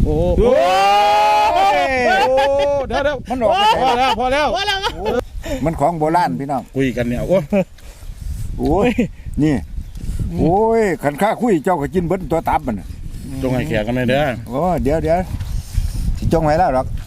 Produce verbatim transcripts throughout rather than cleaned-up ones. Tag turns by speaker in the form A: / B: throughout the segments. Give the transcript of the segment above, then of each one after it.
A: โอ้โหเดี๋ยวเดี๋ยวมันออกพอแล้วพอแล้ว
B: มันของโบราณพี่น้อง
A: คุยกันเนี่ยโอ้
B: โอ้ยนี่โอ้ยขันข้าคุยเจ้าก็กินเบิ้ลตัวตับมัน
A: จงให้แขกกันเลยเด้อ
B: โอ้เดี๋ยวเดี๋ยวสิจงไว้แล้วหรอก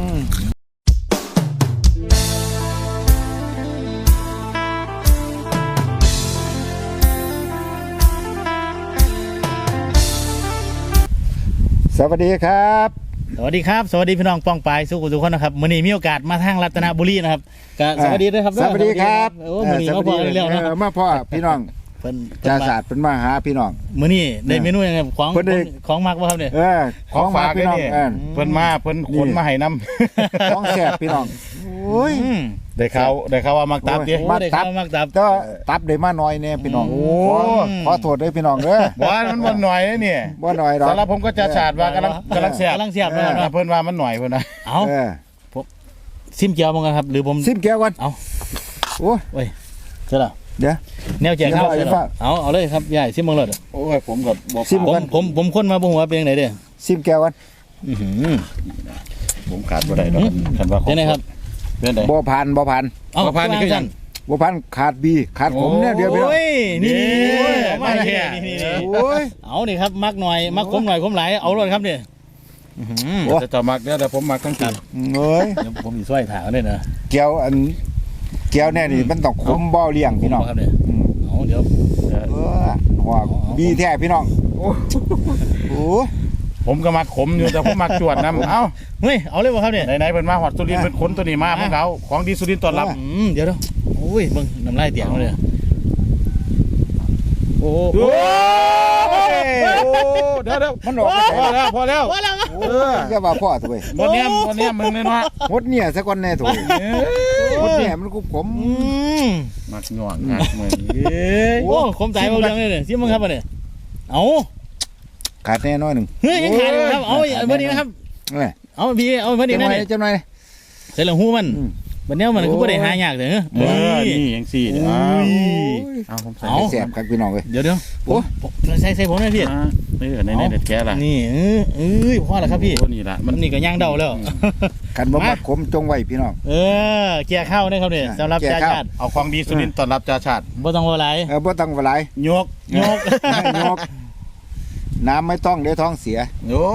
B: สวัสดีครับ
C: สวัสดีครับสวัสดีพี่น้องป้องปายสุขุทุกคนนะครับมื้อนี้มีโอกาสมาทางรัตนบุรีนะครับก็สวัสดีด้วยครับ
B: สวัสดีครับ
C: โอ้มื้อนี้มาพอเร็วๆนะ
B: มาพ่อพี่น้อง
C: เพิ่น
B: จ่าศาสตร์เป็นมาหาพี่น้อง
C: มื้อนี้ได้เมนูยังไงของของมักบ่ครับเนี่ย
B: เออของฝากพี่น้อง
A: เพิ่นมาเพิ่นขนมาให้น
B: ำของแซ่บพี่น้องโอ้ย
A: ได้ข่าวได้ข่าวว่ามักตับดิ
B: มักตับ
C: มักตับ
B: ก็ตับได้มาหน่อยเนี่ยพี่น้องโอ้ขอโทษด้วยพี่น้องเด้อ
A: บ่มันบ่หน่อยนี่
B: บ่หน่อยหรอก
A: สำหรับผมก็จ่าศาสตร์ว่ากำลังกำลังแซ่บ
C: กำลังแซ่บ
A: เพิ่นว่ามันหน่อยเพิ่นนะ
C: เอ้าผมซิมเกียวมั้งครับหรือผม
B: ซิมเกียวก่อน
C: เอ้า
B: โอ้
C: ยเสร็จแล้ว
B: เดี๋ยว
C: แนวแจกข้าวเอาเอาเลยครับใหญ่ซิมเบิ่งเลย
A: โอ้ยผมก็บ่
B: ซิม
C: ผมผมผมคนมาบ่ฮู้ว่าเป็นจังได๋เด้อ
B: ซิมแก้วกัน
C: อื้อหือ
A: ผมขาดบ่ได้ดอกคันว่า
C: เป็นไงครับ
A: เป็นได
B: บ่ผ่านบ่ผ่าน
A: บ่ผ่านนี่คือจัง
B: บ่ผ่านขาดบีขาดผมเนี่ยเดี๋ยวพี่น้อง
C: โอ้ยนี่
A: มาแค่
C: นี่
B: โอ้ย
C: เอานี่ครับมักหน่อยมักขมหน่อยขมหลายเอาเลยครับเนี่ยอื้อหือ
A: จะจะมักเด้อแต่ผมมักทั้งที
B: เอ้ย
C: เดี๋ยวผมสิช่วยถามเลยนะ
B: แก้วอันแก้วเนี่ยนี่มันต้องขมบ่เลี้ยงพี่น้อง
C: ครับเนี่ยเอาเดี๋ยว
B: เออหัวบีแท้พี่น้องโอ้
A: ผมก็มักขมอยู่แต่ผมมักจวดน้ำเอ้า
C: เฮ้ยเอาเลยบ่ครับเนี่ย
A: ไหนๆเพิ่นมาฮอดสุรินทร์เพิ่นขนตัวนี้มาพวกเขาของดีสุรินทร์ต้อนรับ
C: อืมเดี๋ยวเดี๋ยวโอ้ยเบิ่งน้ำลายเตียงเลยโอ้โห
A: เดี๋ยวเดี๋ยวมันออกพอแล้วพอแล้ว
C: พอแล้ว
B: เอออย่าว่าพ่อถุย
A: วันนี้วันนี้มึงเลยเนาะ
B: หดเนี่ยสักวันแน่ถุยหดเนี่ยมันกุบผม
A: มักหน่วงงักเหมือน
C: โอ้ขมใจเอาเรื่องเลยเนี่ยซิมึงครับเนี่ยเอา
B: ขาดแน่น้อยหนึ่ง
C: เฮ้ยยังขาดอยู่ครับเอาเมื่อนี้นะครับเอาพี่เอาเมื่อนี้นั่นเลย
B: จำหน่อย
C: เสร็จแล้วหูมันวันนี้มันคือไม่ได้หายากเลย
A: เออนี่ยังสี่
C: เอ้
B: าผมใส่แสบครับพี่น้องเลย
C: เดี๋ยวเดี๋ยวโอ้ใส่ใส่ผมเลยพี่
A: เออในในเด็ดแก่ละ
C: นี่เออเออพ่อละครับพี่
A: นี่ละ
C: มันนี่ก็ย่างเดาแล้ว
B: กันบ่มาขมจงไว้พี่น้อง
C: เออเกียร์เข้าเนี่ยครับเนี่ยสำหรับจ่าชาติ
A: เอาของดีสุรินทร์ต้อนรับจ่าชาติ
C: บ่ต้องว่าไร
B: เออบ่ต้องว่าไร
A: ยก
C: ยก
B: ยกน้ำไม่ต้องเดี๋ยวท้องเสีย
A: โอ้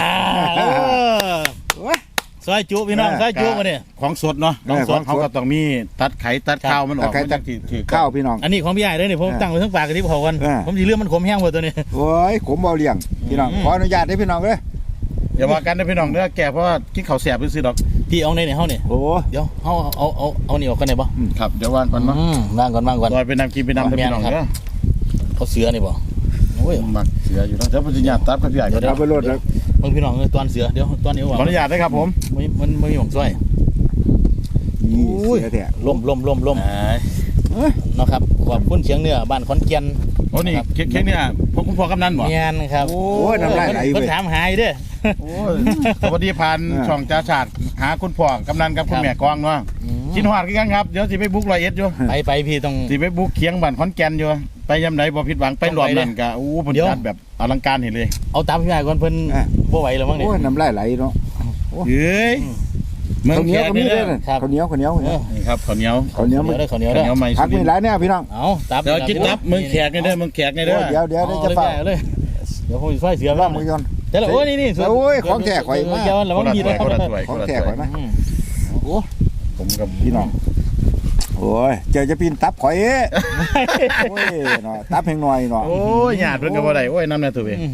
C: ซอยจุพี่น้องซอยจุมาเนี่ย
A: ของสดเนาะของสดเขาก็ต้องมีตัดไข่ตัดข้าวมันออก
B: ตัดข้าวพี่น้อง
C: อันนี้ของพี่ใหญ่เลยเนี่ยผมตั้งไว้ทั้งปากกับที่พอกันผมสีเรื่องมันขมแห้งหมดตัวนี้
B: โอ้ยขมเบาเลี้ยงพี่น้องขออนุญาตได้พี่น้องเลย
A: อย่าว่ากันนะพี่น้องเด้อแก่เพราะว่ากินข้าวแสบไปซื้อดอก
C: พี่เอาในไหนเฮาเนี่ย
B: โอ้
C: เดี๋ยวเฮาเอาเอาเอานี่ออกกันไหนบ่
A: ครับเดี๋ยววางก่อนเนาะ
C: วางก่อนวางก่อน
A: ลอยไปนำกินไปนำพี่น้องเด้อ
C: เขาเสือนี่บ่
A: โอ้ยมักเสืออยู่แล้วเดี๋ยวปัญญาตับกับพี่ใหญ่
B: เดี๋ยวไปโหลดแล้ว
C: มึงพี่น้องตอนเสือเดี๋ยวตอนนี้ว่า
A: ขออนุญาตได้ครับผม
C: มันมันไม่มีหม่องซ้อย
B: อุ้ย
C: ล่มล่มล่มล่มนะครับขอบคุณเสียงเหนือบ้านขอนแก่น
A: โอ้นี่เค้กเนี่ยพวกคุณพ่อกำนันบ่
C: เงี้ยครับ
B: โอ้ยน้ำลายไหล
C: เพิ่นถามหายเด้อ
A: โอ้ยสวัสดีผ่านช่องจ่าชาติหาคุณพ่อกำนันกับคุณแม่กองเนาะกินหอดกันครับเดี๋ยวสิไปบุกร้อยเอ็ดอยู่
C: ไปไปพี่ต้อง
A: สิไปบุกเคียงบ้านขอนแก่นอยู่ไปยำไหนบ่ผิดหวังไปรวมนั่นกะอู้เพิ่นจัดแบบอลังการเห็นเลย
C: เอาตามพี่ใหญ่ก่อนเพิ่นบ่ไหวแล้วมั้งเนี่ย
B: โอ้ยน้ำลายไหลเนาะ
A: เฮ้ย
B: เมืองเหนียวก็มีด้วยข้าวเหนียวข้าวเหนียว
A: นี่ครับข้าวเหนียว
B: ข้าวเหนียว
C: ได้ข้าวเหนียวได้
B: ผักมีหลายเนี่ยพี่น้อง
C: เอาตับ
A: เดี๋ยวกินตับเมืองแขกนี่เด้อเมืองแขกนี่เด้อ
B: เดี๋ยวเดี๋ยวจะฝาก
C: เลยเดี๋ยวผมช่วยเสือบ้าง
B: มือยน
C: เดี๋ยวโอ้ยนี่นี่
B: โอ้ยของแขกข่อยมาก
C: แล้วมันมีด้วย
B: ของแขกข่อยมากโอ้
A: ผมกับ
B: พี่น้องโอ้ยเจอจะปีนตับข่อยโอ้ยเนาะตับแพงหน่อยเนาะ
A: โอ้ยหยาดเพิ่นก็บ่ได้โอ้ยน้ำแน่ตัวเอง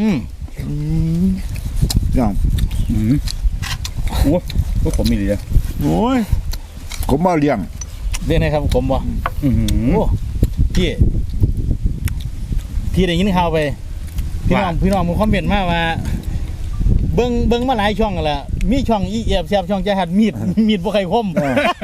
B: น้อง
A: โอ้พวกผมมีดีเลย
B: โอ้ยผมมาเลี้ยง
C: เรียกไงครับผมบ่โอ้พี่พี่ได้ยินข่าวไปพี่น้องพี่น้องมึงคอมเมนต์มาว่าเบิ้งเบิ้งมาหลายช่องกันละมีช่องอีเอฟแซบช่องจะหัดมีดมีดบ่ใครคม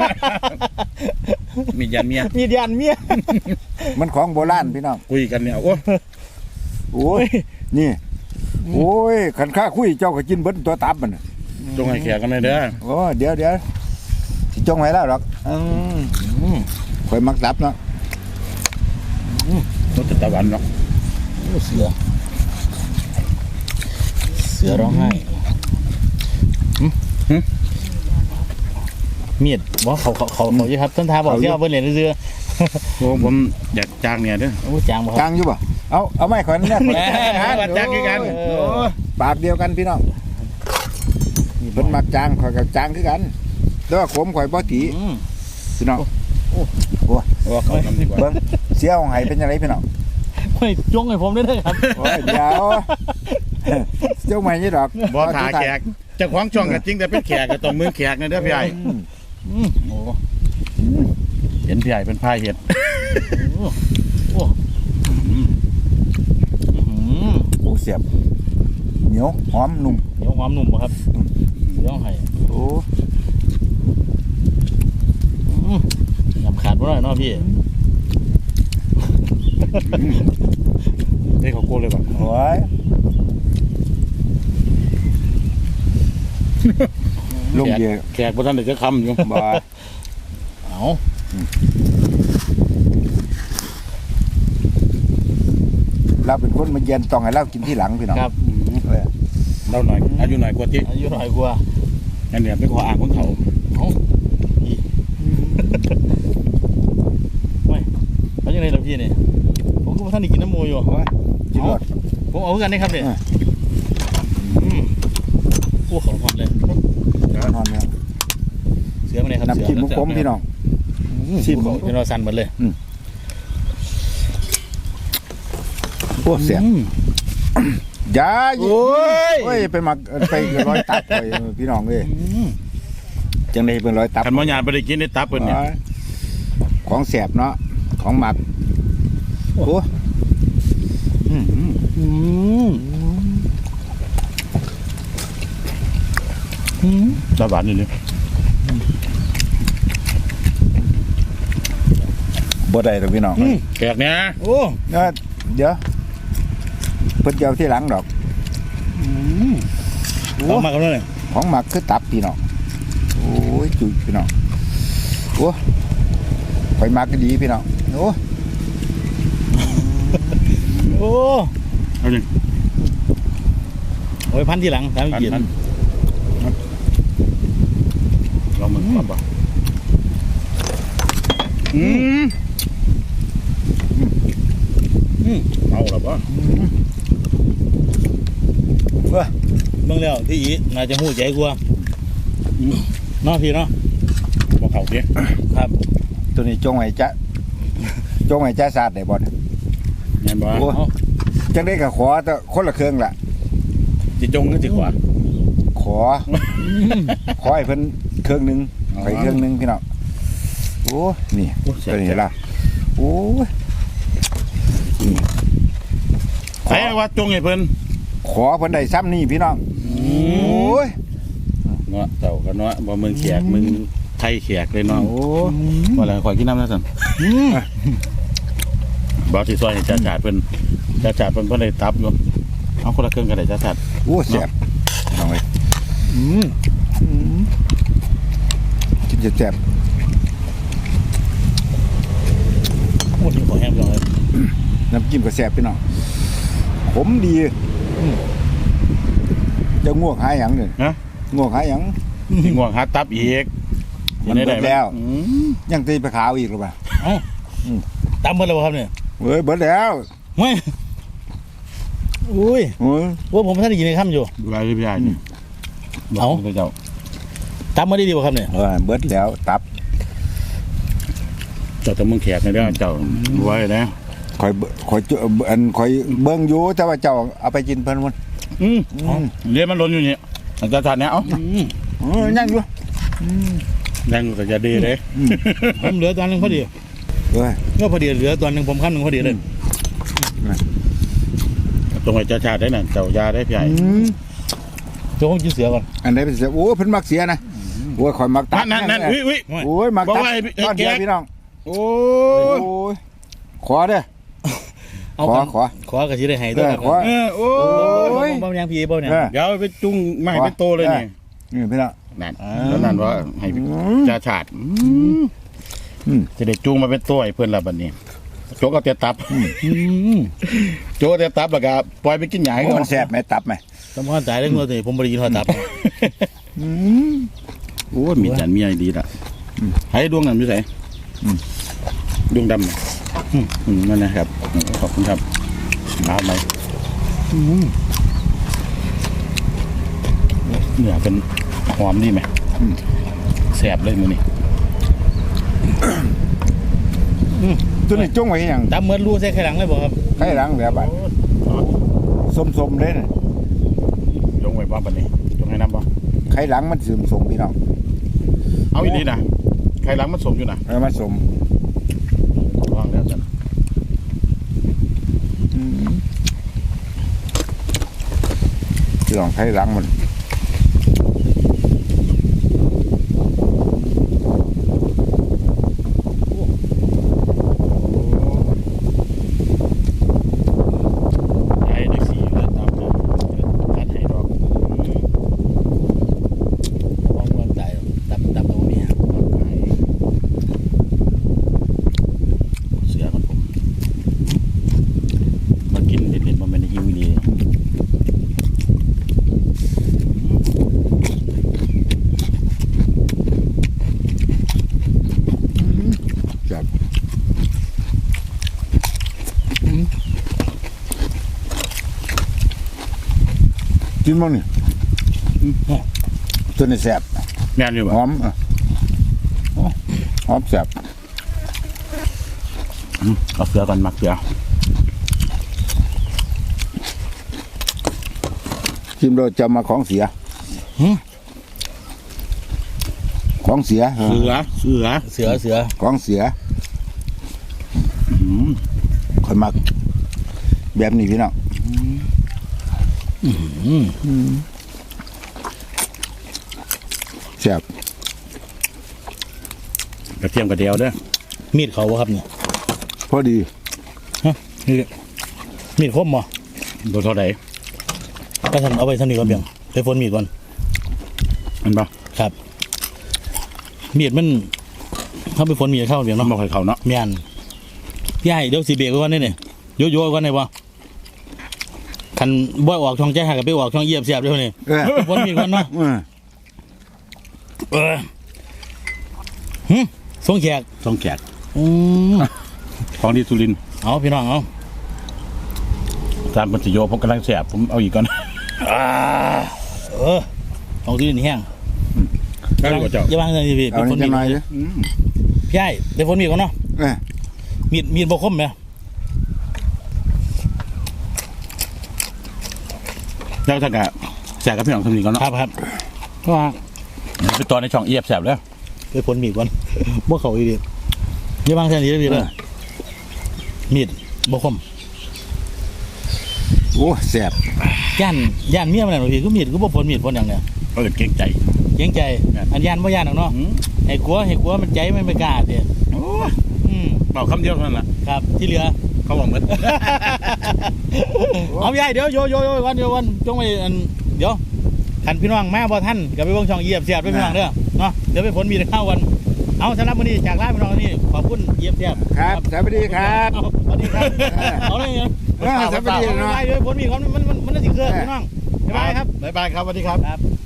A: มีดยันเมีย
C: มีดยันเมีย
B: มันของโบราณพี่น้อง
A: คุยกันเนี่ยโอ้
B: โอ้ยนี่โอ้ยขันข้าคุยเจ้าก็กินเบิ้ลตัวตับมัน
A: จงให้แขกกันเลยเด้อ
B: โอ้เดี๋ยวเดี๋ยวสิจงไว้แล้วหรอกคอยมักตับเนาะ
A: รสตะวันเนาะ
C: เสือเสืเสือร้องไห้หึหึมีดบอกเขาเขาเขาเขาอยู่ครับต้นทาบอกที่เอาไปเรียนเรือ
A: โอ้ผมอยากจ้างเนี่ยเด้อ
C: โอ้จางบ่ค
B: จา
C: รับ
B: งอยู่บ่เอาเอาไม่ขอยเนี่ย
A: แหมจ้างคือกัน
C: เออ
A: โอ้
B: ปากเดียวกันพี่น้องเพิ่นมักจางข่อยกับจางคือกันแต่ว่าขมข่อยบ่ถี
C: อืม
B: พี่น้อง
A: โอ้เขาทำดีกว่า
B: เบิ่งเสียของไห้เป็นจังไดพี่น้อง
C: ไม่จงให้ผมได้เลยครับ
B: โอ้ยเดี๋ยวเจ้าใหม่นี่ดอก
A: บ่ถาแขกเจ้าของช่องก็จริงแต่เป็นแขกก็ต้องมือแขกนะเด้อพี่ใหญ่
B: อืม
C: อืม
A: โอ้เห็นพี่ใหญ่เป็นพายเห็ด
C: โอ้โอ้อืม
B: โอ้เสียบเหนียวหอมนุ่ม
C: เดี๋ยวความหนุ่มบ่ครับเดี๋ยวให้
B: โอ้
C: อืมยำขาดบ่ได้เนาะพี่
A: ได้เขาโก้เลยป่ะ
B: โอ้ยลงเยอะ
A: แขกบ่ทันได้จะคำอยู่
B: บ่
C: เอา
B: เราเป็นคนมาเย็นต้องให้เรากินที่หลังพี่น้อง
C: ครับ
B: เออ
A: เราหน่อยอายุหน่อยกว่าที่
C: อายุหน่อยกว่า
A: อันเนี้ยเป็นข้ออ้างของเขา
C: เอาพี่ไม่เขายังไงล่ะพี่เนี่ยผมก็บ่ท่านได้กินน้ำมูอยู่
B: โอ้ยจิรอด
C: ผมเอาคือกันได้ครับเนี่ย
B: อ่ะ
C: อืมโอ้ของหอมเลย
B: นอนเนี่ย
C: เสือมาเลยครับ
B: น้ำจิ้มมุกผมพี่น้อง
C: ชิมเป็นรอสันหมดเลย
B: โอ้เสียบ
C: อืม
B: อยา
C: โอ้ย
B: โอ้ยไปหมักไปร้อยตับไปพี่น้องเอ้ย
C: อืม
B: จังได้เป็นร้อยตับ
A: คันบ่ญาติบ่ได้กินได้ตับเพิ่นเนี่ย
B: ของแสบเนาะของหมักโอ้อืม
C: อืมอืม
A: ตาหวานนี่นี่
B: บ่ได้ดอกพี่น้อง
A: แขกเนี่ย
C: โอ้
B: เอ้อเดี๋ยวเพิ่นจะเอาที่หลังดอก
C: เอามากันเลย
B: ของหมักคือตับพี่น้องโอ้ยจุยพี่น้องโอ้ไปหมักก็ดีพี่น้องโอ้
C: โอ้
A: เอาดิ
C: โอ้ยพันที่หลังสาม
A: อัน
C: เกียรติ
A: นั้นลองมึงก่อนบ่อืม
C: อืม
A: เอาล่ะบ่
B: เอ้อ
C: เบิ่งแล้วที่อีน่าจะหูใจกว่าเนาะพี่เนาะ
A: บ่เข้าเด้
C: ครับ
B: ตัวนี้จงไว้จะจงไว้จะสาดได้บ่เนี่ย
A: แม่นบ่
B: โอ้จังได้ก็ขอแต่คนละเครื่องล่ะ
A: สิจงหรือสิขวา
B: ขอ ขอให้เพิ่นเครื่องหนึง
A: อ๋อ
B: ไปเครื่องหนึงพี่น้องโอ้นี่
A: โอ้เสีย
B: ตัวนี้ล่ะโอ้ย
A: ใครว่าจงให้เพิ่น
B: ขอเพิ่นได้ซ้ำนี่พี่น้องโอ้ย
A: เนาะเจ้าก็เนาะบ่มึงแขกมึงไทยแขกเลยเนาะโอ้ว่าแล้วขอยกินน้ำนะซั่นบ่สิซอยให้จ่าชาติเพิ่นจ่าชาติเพิ่นบ่ได้ตับอยู่เอาคนละครึ่งก็ได้จ่าชาติ
B: โอ้แซ่บน้องเอ้ย
C: อืม
B: กินจะแซ่บ
C: โอ้ที่ขอแห้งเลย
B: น้ำจิ้มก็แซ่บพี่น้องขมดีจะง่วงหาหยังเนี่ย
A: ฮะ
B: ง่วงหาหยัง
A: สิง่วงหาตับอีก
B: มันเบิดแล้ว
A: อืม
B: ยังตีไปขาวอีกหรือเปล่า
C: ตามเบิ่งแล้วบ่ครับเนี่ย
B: เฮ้ยเบิดแล้ว
C: ไม่อุ้ย
B: โอ้ย
C: ว่าผมท่านได้ยินในคำอยู่
A: ดูแลพี่ใหญ่นี่
C: เอา
A: บอกเจ้า
C: ตามมาได้ดีบ่ครับเนี่ย
B: เออเบิดแล้วตับ
A: เจ้าแตะมึงแขกในเด้อเจ้าไว้นะ
B: คอยเบิ่งคอยเจออันคอยเบิ่งอยู่แต่ว่าเจ้าเอาไปกินเพิ่นมัน
A: อืม
B: อืม
A: เรียนมันหล้นอยู่นี่จ่าชาติเนี่ยเอ้า
C: อืม
B: เออยังอยู่
A: ยังแต่จะดีเลย
C: ผมเหลือตอนหนึงพอดี
B: เอ้ย
C: ก็พอดีเหลือตอนหนึงผมขั้นหนึ่งพอดีเลย
A: ตรงไอ้จ่าชาติได้น่ะเจ้ายาได้พี่ใหญ่
B: อืม
C: โจ้ผมกินเสือก่อน
B: อันไหนเป็นเสียโอ้เพิ่นมักเสียนะโอ้ยคอยมักตั
A: นั่
B: บ
A: นนั่นนั่นอุ้ยอุ้ย
B: โอ้ยมัก
A: บอก
B: ตับ
A: ว่าให้
B: ตอนเดียว
A: ให้แกะ
B: พี่น้อง
A: โอ้
B: โอ้
A: ย
B: ยขอเด้อ
C: เอา
B: ขอ
C: กัน
B: ขอ
C: ขอกระชีได้ให้ด้วย
B: เออขอ
A: เออโอ้
B: โอ้
A: ย
B: ย
C: บ่ยังพี่บ่เนี่ย
B: เออ
A: เดี๋ยวไปจุ้งไม่ให้เป็นโตเลยนี่
B: นี่พี่น้อง
A: นั่น
C: อ่า
A: แล้วนั่นว่าให้
B: อืม
A: จ่าชาติ
B: อืม
A: จะได้จูงมาเป็นตัวไอ้เพื่อนละบัดนี้โจกเอาแต่ตับ
C: อืม
A: โจกเอาแต่ตับแล้วก็ปล่อยไปกินหยาให้
B: โอ้
A: เขา
B: มันแซ่บไหมตับไหม
C: สำคัญใจเรื่องตัวนี้ผมบริยินโทรศัพท์
B: อืม
A: โอ้มีจานมีอะไรดีละให้ดวงนั้นอยู่ไหนดวงดำอืมนั่นนะครับขอบคุณครับน้ำไหมเนื้อเป็นหอมดีไหมแสบเลยมือนี่
B: ตัวนี้จ้งไว้อย่าง
C: ตามเหมือนรูใส่ไข่หลังเลยบอกครับ
B: ไข่หลังแบบบัดส้มๆเลยนะ
A: จงไว้บ้าปันนี้จงให้น้ำบ่
B: ไข่หลังมันสมๆพี่น้อง
A: เอาอีกนิดนะใครล้างมันสมอยู่นะ
B: แล้วมันสม
A: วางแล้วจ้ะ
B: พี่น้องไข่หลังมัน
A: ไอ้ได้สีเลยตามเลยคัดให้ดอก
C: มองความใจตับตับตัวนี้
A: เสือของผมมากินเด็ดๆมาเป็นหิวดี
B: จับกินบ้างนี่ตัวนี้แสบ
A: แม่นอยู่
B: ห
A: บ่
B: อมอ่ะหอมแสบ
A: เอาเสือกันมักเสือ
B: ชิมเราจะมาของเสียของเสีย
A: เสือเสือ
C: เสือเสือ
B: ของเสีย
A: อืม
B: ค่อยมักแบบนี้พี่น้องแสบ
A: กระเทียมกระเดียวเด้อ
C: มีดเขาบ่ครับเนี่ย
B: พอดี
C: ฮะนี่มีดคมบ่
A: ตัวเท่าไหร่
C: ก็ท่านเอาไปสนิทก่อนเพียงไปฝนมีดก่อน
A: มันบ่
C: ครับ มีดมันเขาไปฝนมีดเข้าเพียง
A: น้อง
C: เนาะ
A: บอกให้เขาเนาะ
C: แม่นพี่ใหญ่เดี๋ยวสิเบรกไว้ก่อนนี่นี่โยโย่ก่อนได้บ่คันบ่ออกช่องใจหักกับไปออกช่องเยียบเสียบเดี๋ยวนี้
B: เออ
C: ฝนมีดก่อนเนาะ
B: เออ
C: เออหึส่งแขก
A: ต้องแกะ
C: อืม
A: ของดีสุรินทร์
C: เอาพี่น้องเอา
A: ตามปัญจโยผมกำลังแสบผมเอาอีกก่อน
C: อ่าเออของที่นี่แห้ง
A: ได้กว่าเจ้า
C: อย่าวางเลยพี่
B: เอา
C: ไปฝ
B: นี่
C: นมี
B: จะ
C: ด
B: หน่อยเลย
A: อืม
C: พี่ใหญ่ไปฝนมีดก่อนเนาะ
B: เออ
C: มีดมีดบ่คมไหม
A: แล้วถ้ากะแสบกับพี่น้องทำนี้ก่อนเนาะ
C: ครับครับก็
A: ไปตอนในช่องเอียบแสบแล้ว
C: ไปฝนมีดก่อนบ่เขาอีกดิอย่าวางแค่นี้เลยพี่เลยมีดบ่คม
B: โอ้แสบ
C: ย่านย่านเมียมันน่ะพี่ก็มีดก็บ่ฝนมีดฝนอย่างเนี้ย
A: ก็เลยเก่งใจ
C: เกรงใจอันย่านบ่ย่านหรอกเนาะ
A: อืม
C: ให้กลัวให้กลัวมันใจมันไม่กล้าเด้
A: โอ้ย
C: อืม
A: บอกคำเดียวเท่านั้นแหละ
C: ครับที่เหลือ
A: เขาบอกเหมือน
C: เอาพี่ใหญ่เดี๋ยวโยโยโยก่อนเดี๋ยวก่อนจงไปอันเดี๋ยวคันพี่น้องมาบ่ทันก็ไปเบิ่งช่องเหยียบเสียบด้วยพี่น้องเด้อเนาะเดี๋ยวไปฝนมีดข้าวกันเอาสำหรับวันนี้จากลาพี่น้องนี่ขอบคุณเหยียบเสียบ
B: ครับสวัสดีครับ
C: เอาสวัสดีครับเอาเลยเนาะ
B: เออสวัสดี
C: เอา
B: เนาะ
C: ไปเดี๋ยวฝนมีดเขามันมันมันมันน่าสิเคลื่อนพี่น้องบ๊ายบายครับ
A: บ๊ายบายครับสวัสดีครับ
C: ครับ